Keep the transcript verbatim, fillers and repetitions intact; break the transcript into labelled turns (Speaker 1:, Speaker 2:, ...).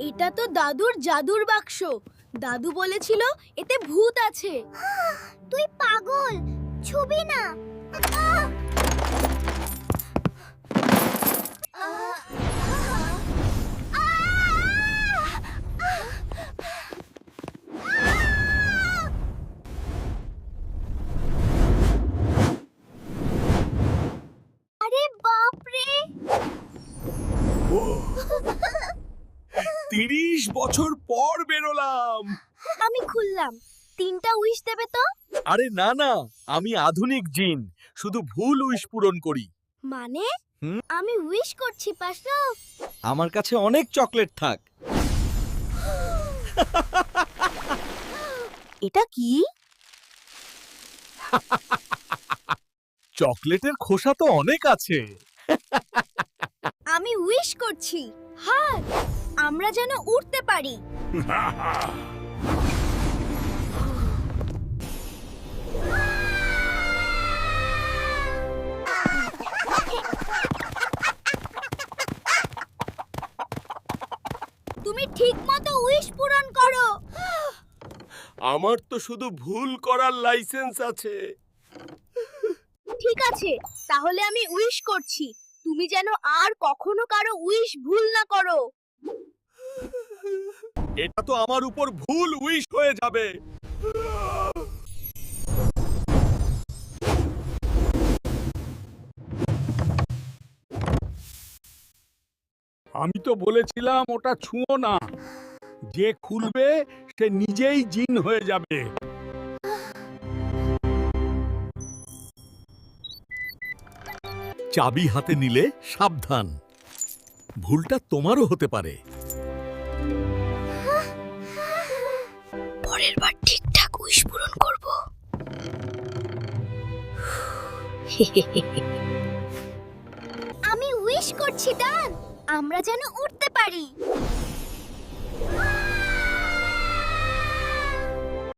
Speaker 1: এটা তো দাদুর জাদুর বাক্স। দাদু বলেছিল এতে ভূত আছে।
Speaker 2: তুই পাগল, ছুবি না। আহ! আহ! আরে বাপ রে!
Speaker 3: তিরিশ বছর পর বেরোলাম।
Speaker 1: আমি খুললাম। তিনটা উইশ দেবে তো?
Speaker 3: আরে না না, আমি আধুনিক জিন, শুধু ভুল উইশ পূরণ করি।
Speaker 1: মানে
Speaker 3: হুম?
Speaker 1: আমি উইশ করছি পাশরাফ।
Speaker 3: আমার কাছে অনেক চকলেট থাক।
Speaker 1: এটা কি?
Speaker 3: চকলেটের খোসা তো অনেক আছে।
Speaker 1: আমি উইশ করছি। হ্যাঁ, আমরা যেন উড়তে পারি। তুমি ঠিকমতো উইশ পূরণ করো।
Speaker 3: আমার তো শুধু ভুল করার লাইসেন্স আছে।
Speaker 1: ঠিক আছে, তাহলে আমি উইশ করছি। তুমি যেন আর কখনো কারো উইশ ভুল না করো।
Speaker 3: এটা তো আমার উপর ভুল উইশ হয়ে যাবে।
Speaker 4: আমি তো বলেছিলাম ওটা ছুঁয়ো না। যে খুলবে সে নিজেই জিন হয়ে যাবে।
Speaker 3: চাবি হাতে নিলে সাবধান, ভুলটা তোমারও হতে পারে।
Speaker 1: পরের বার ঠিকঠাক উইশ পূরণ করব। আমি উইশ করছি ডান, আমরা যেন উঠতে পারি।